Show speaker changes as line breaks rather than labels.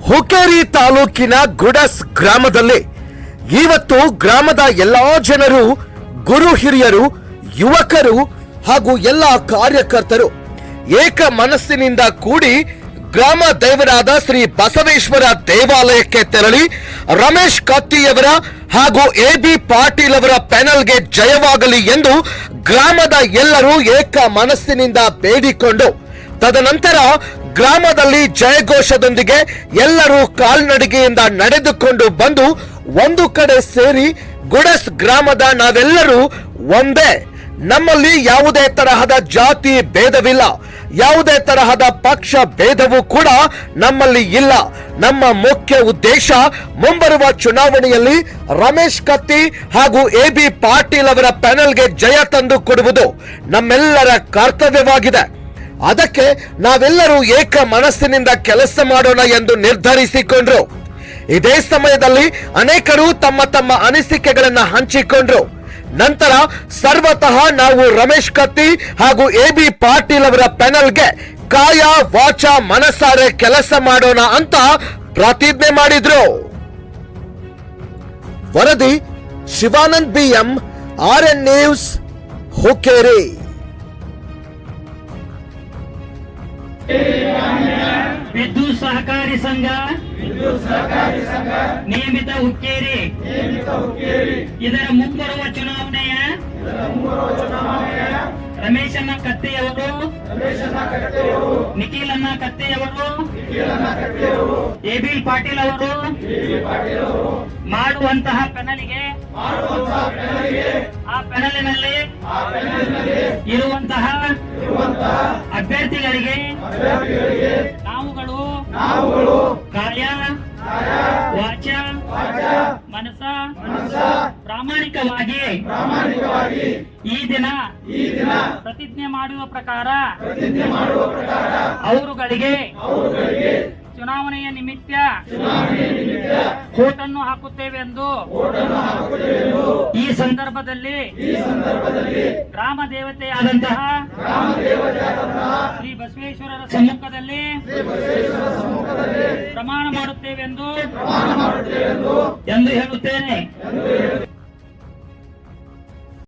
ಹುಕ್ಕೇರಿ ತಾಲೂಕಿನ ಗುಡಸ್ ಗ್ರಾಮದಲ್ಲಿ ಇವತ್ತು ಗ್ರಾಮದ ಎಲ್ಲಾ ಜನರು, ಗುರು ಹಿರಿಯರು, ಯುವಕರು ಹಾಗೂ ಎಲ್ಲ ಕಾರ್ಯಕರ್ತರು ಏಕ ಮನಸ್ಸಿನಿಂದ ಕೂಡಿ ಗ್ರಾಮ ದೇವರಾದ ಶ್ರೀ ಬಸವೇಶ್ವರ ದೇವಾಲಯಕ್ಕೆ ತೆರಳಿ ರಮೇಶ್ ಕತ್ತಿಯವರ ಹಾಗೂ ಎ.ಬಿ. ಪಾಟೀಲ್ ಅವರ ಪ್ಯಾನಲ್ಗೆ ಜಯವಾಗಲಿ ಎಂದು ಗ್ರಾಮದ ಎಲ್ಲರೂ ಏಕ ಮನಸ್ಸಿನಿಂದ ಬೇಡಿಕೊಂಡು ತದನಂತರ ಗ್ರಾಮದಲ್ಲಿ ಜಯಘೋಷದೊಂದಿಗೆ ಎಲ್ಲರೂ ಕಾಲ್ನಡಿಗೆಯಿಂದ ನಡೆದುಕೊಂಡು ಬಂದು ಒಂದು ಕಡೆ ಸೇರಿ ಗುಡಸ್ ಗ್ರಾಮದ ನಾವೆಲ್ಲರೂ ಒಂದೇ, ನಮ್ಮಲ್ಲಿ ಯಾವುದೇ ತರಹದ ಜಾತಿ ಭೇದವಿಲ್ಲ, ಯಾವುದೇ ತರಹದ ಪಕ್ಷ ಭೇದವೂ ಕೂಡ ನಮ್ಮಲ್ಲಿ ಇಲ್ಲ. ನಮ್ಮ ಮುಖ್ಯ ಉದ್ದೇಶ ಮುಂಬರುವ ಚುನಾವಣೆಯಲ್ಲಿ ರಮೇಶ್ ಕತ್ತಿ ಹಾಗೂ ಎ.ಬಿ. ಪಾಟೀಲ್ ಅವರ ಪ್ಯಾನಲ್ಗೆ ಜಯ ತಂದು ಕೊಡುವುದು ನಮ್ಮೆಲ್ಲರ ಕರ್ತವ್ಯವಾಗಿದೆ. ಅದಕ್ಕೆ ನಾವೆಲ್ಲರೂ ಏಕ ಮನಸ್ಸಿನಿಂದ ಕೆಲಸ ಮಾಡೋಣ ಎಂದು ನಿರ್ಧರಿಸಿಕೊಂಡ್ರು. ಇದೇ ಸಮಯದಲ್ಲಿ ಅನೇಕರು ತಮ್ಮ ತಮ್ಮ ಅನಿಸಿಕೆಗಳನ್ನು ಹಂಚಿಕೊಂಡ್ರು. ನಂತರ ಸರ್ವತಃ ನಾವು ರಮೇಶ್ ಕತ್ತಿ ಹಾಗೂ ಎ.ಬಿ. ಪಾಟೀಲ್ ಅವರ ಪ್ಯಾನಲ್ಗೆ ಕಾಯ ವಾಚ ಮನಸಾರೆ ಕೆಲಸ ಮಾಡೋಣ ಅಂತ ಪ್ರತಿಜ್ಞೆ ಮಾಡಿದ್ರು. ವರದಿ Shivanand BM, RN news, Hukkeri.
ವಿದ್ಯುತ್ ಸಹಕಾರಿ ಸಂಘ ನಿಯಮಿತ ಹುಕ್ಕೇರಿ ಇದರ ಮುಂಬರುವ ಚುನಾವಣೆಯ ರಮೇಶಣ್ಣ ಕತ್ತೆಯವರು, ನಿಖಿಲಣ್ಣ ಕತ್ತೆಯವರು, ಎ.ಬಿ. ಪಾಟೀಲ್ ಅವರು ಮಾಡುವಂತಹ ಪ್ಯಾನಲ್ಗೆ ಆ ಪ್ಯಾನಲಿನಲ್ಲಿ ಇರುವಂತಹ ಅಭ್ಯರ್ಥಿಗಳಿಗೆ ನಾವುಗಳು ಕಾಯ ವಾಚ ಮನಸ ಪ್ರಾಮಾಣಿಕವಾಗಿ ಈ ದಿನ ಪ್ರತಿಜ್ಞೆ ಮಾಡುವ ಪ್ರಕಾರ ಅವರುಗಳಿಗೆ ಚುನಾವಣೆಯ ನಿಮಿತ್ತ ಓಟನ್ನು ಹಾಕುತ್ತೇವೆ ಎಂದು ಈ ಸಂದರ್ಭದಲ್ಲಿ ಗ್ರಾಮ ದೇವತೆಯಾದಂತಹ ಶ್ರೀ ಬಸವೇಶ್ವರರ ಸಮ್ಮುಖದಲ್ಲಿ ಪ್ರಮಾಣ ಮಾಡುತ್ತೇವೆ ಎಂದು ಹೇಳುತ್ತೇನೆ.